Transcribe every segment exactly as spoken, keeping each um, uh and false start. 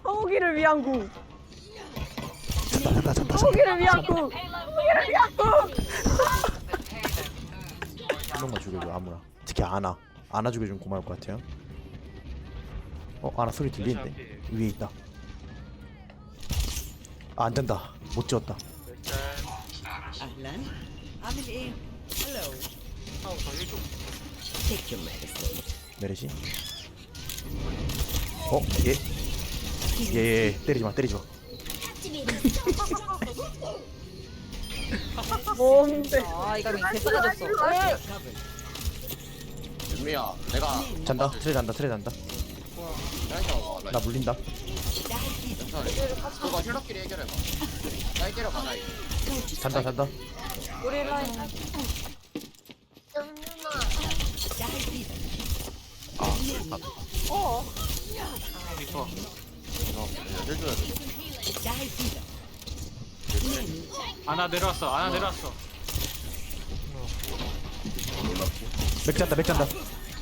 서우기를 위한 구. 잔다 잔다 잔다. 서우기를 위한 구. 서우기를 위한 구. 한 명만 죽여줘 아무나. 특히 아나. 아나 죽여주면 고마울 것 같아요. 어 아나 소리 들리는데 위에 있다. 아, 안 된다. 못 지웠다. أهلا عامل إيه؟ هلو Take your medicine. 메르시. 어 예. 예예 예. 때리지 마 때리지 마. 뭔데? 아 이거 개 쏟아졌어. 윤미야, 내가 잔다 트레 잔다 트레 잔다. 나이스. 나 물린다. 괜찮아. 그거 힐러끼리 해결해봐. 나 해결해봐, 나 이거. 잔다 잔다. 우리 라인. 어. 이거 해줘야 돼. 아나 내려왔어. 아나 내려왔어. 맥 잔다 맥 잔다.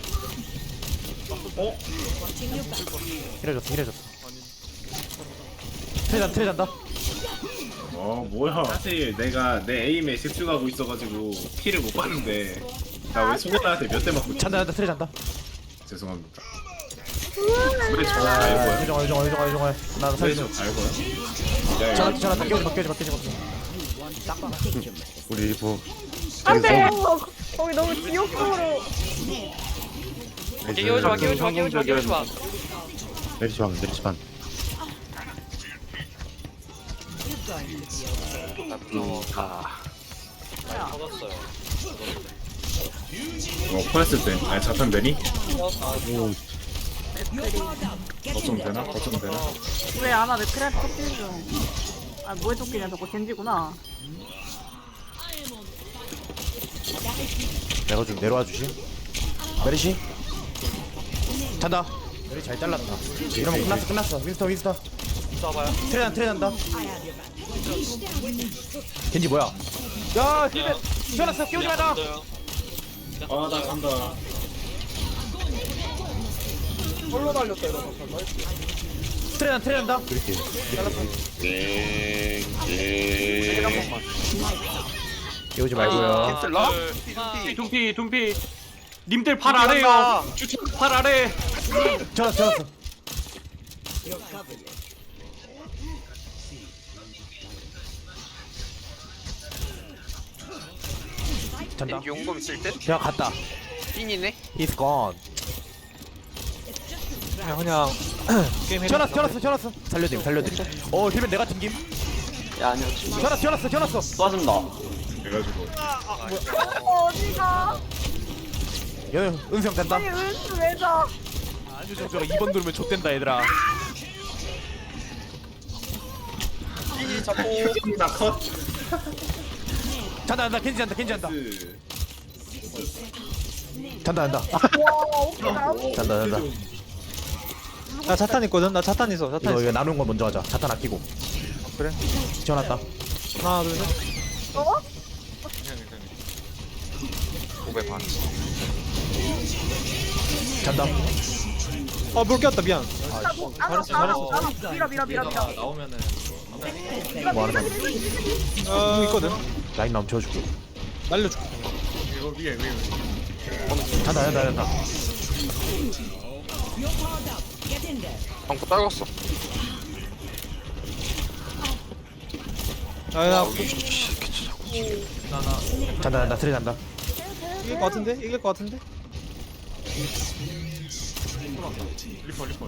힐해줬어 힐해줬어. 트레 잔다 트레 잔다. 어 뭐야 사실 내가 내 에임에 집중하고 있어가지고 피를 못 봤는데 나 왜 소고나한테 몇 대 맞고 잔다 잔다 트레 잔다. 죄송합니다. 왜 저거 다 알고요? 유정아 유정아 유정아 유정아. 나 왜 살려줘. 저거 다 알고요? 야 전화 이거 전화 깨우지 마 깨우지 마 깨우지 마. 우리 뭐 안돼. 거기 너무 지옥으로. 깨우지 마 깨우지 마 깨우지 마 깨우지 마 내리지 마 내리지 마 어 퍼냈을 때 아니 자탄 되니? 어쩜 되나? 어쩜 되나? 왜 아나 왜 크랩 토끼 중? 아 뭐에 토끼냐 저거 겐지구나. 내가 좀 내려와 주시. 메르시. 잔다. 메르시 잘 잘랐다. 이러면 끝났어 끝났어. 윈스터 윈스터. 쏴봐요. 트레 잔 트레 잔다. 겐지 뭐야? 야 힐벤 튀어났어 끼우지 마라. 아나 간다. 트레 잔 트레 잔다. 이렇게 끼우지 말고요. 둠피 둠피 둠피. 님들 팔 아래요. 팔 아래. 튀어났어 튀어났어. 잔다. 용검 있을 듯? 그냥 갔다. 띵이네? He's gone. 그냥 그냥 게임 튀어났어 튀어났어 튀어났어. 살려드림 살려드림. 어 힐벤 내가 튕김. 야 아니요 튀어났어 튀어났어 튀어났어. 쏴준다 그래가지고 어디가? 여 은수형 잔다. 아니 은수 왜 져? 아주 저거 이 번 누르면 좆된다 얘들아. 나 컷. 잔다 잔다 겐지 잔다 겐지 잔다. 그 잔다 잔다. 와 웃기다. 잔다 잔다. 나 자탄 있거든. 나 자탄 있어. 자탄 이거 있어. 이거 나누는 거 먼저 하자. 자탄 아끼고. 그래. 지원했다. 하나 둘 셋. 어? 오백 반 잔다. 아물 꼈다 미안. 아나 잘했어, 잘했어. 아나 밀어 밀어 밀어 밀어. 나오면은 뭐 하는 거야? 어 있거든. 라인 나오면 지워줄게. 날려줄게. 이거 위에 위에. 잔다 잔다 잔다. 방구 떨궜어 아나 잔다 잔다 트레 잔다. 이길 것 같은데? 이길 것 같은데? 리퍼 리퍼.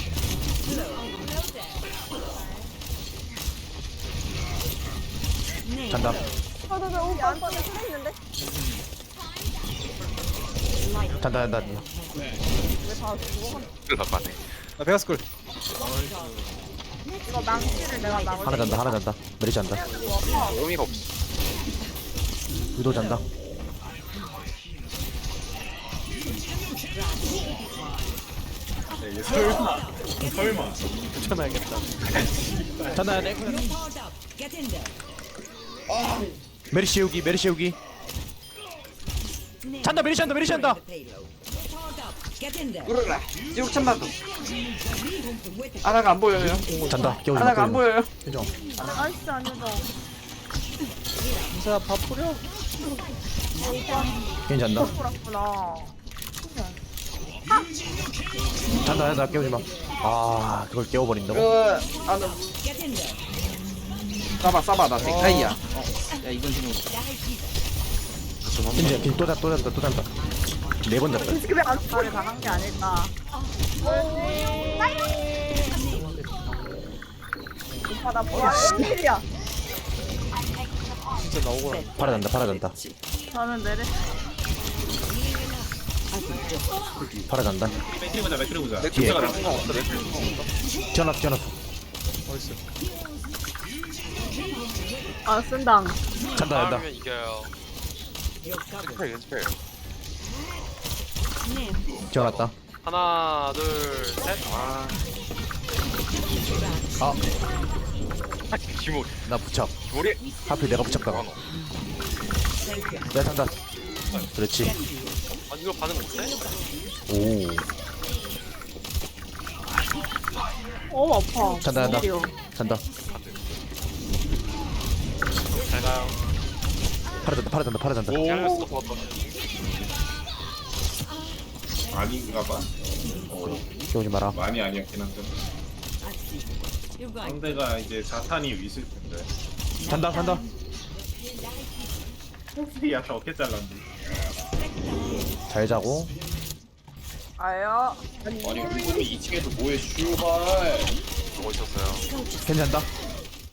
잔다. 저저저 오빠 오빠 트레 있는데? 잔다 잔다. 왜다 죽어? 그 바빠네 나 베가스쿨. 이거 망치를 내가 막을. 하나 잔다 하나 잔다. 메리 잔다. 의미가 없어 유도 잔다. 이게 설마 설마. 붙여놔야겠다. 잔다 내. 메리 씌우기 메리 씌우기. 잔다 메리 잔다 메리 잔다. Get in there. 뚫어라. 쭉 참나도. 아나가 안 보여요. 잔다. 깨우지 마. 아나가 안 깨우지 마. 보여요. 표정. 나이스 아니죠. 인사 밥 뿌려. 괜찮다. 그렇구나. 잔다. 잔다. 깨우지 마. 아, 그걸 깨워버린다고? 그 아나 Get in there. 싸봐 싸봐 나 넥타이야. 어. 야 이건 지금 이제 또 잔다. 또 잔다. 또 잔다. 네 번 잔다. 솔직히 왜안 말을 당한 게 아닐까. 오빠 나 뭐야? 일이야. 팔아잔다. 팔아잔다. 저는 내래. 팔아잔다. 맥크리 보자 맥크리 보자. 뒤에. 가 튀어났어. 튀어났어. 아 쓴당. 잔다. 잔다. 하면 이겨요. 연습해 연습해. 튀어났다. 하나 둘셋 아. 아, 기모 나 부착. 우리 하필 내가 부착당하. 내가 잔다. 그렇지. 아 이거 반응 못해? 오. 어 아파. 잔다. 잔다. 일이요. 잔다. 잘 가요. 팔아잔다. 팔아잔다. 팔아잔다. 잘렸어 버터. 아닌가 봐. 깨우지 마라. 많이 아니었긴 한데. You going? 상대가 이제 자탄이 있을 텐데. 잔다. 잔다. 야타 어깨 잘랐네. 잘 자고. 아요. 아니 그분이 이 층에서 뭐해 슈발. 보고 있었어요. 괜찮다.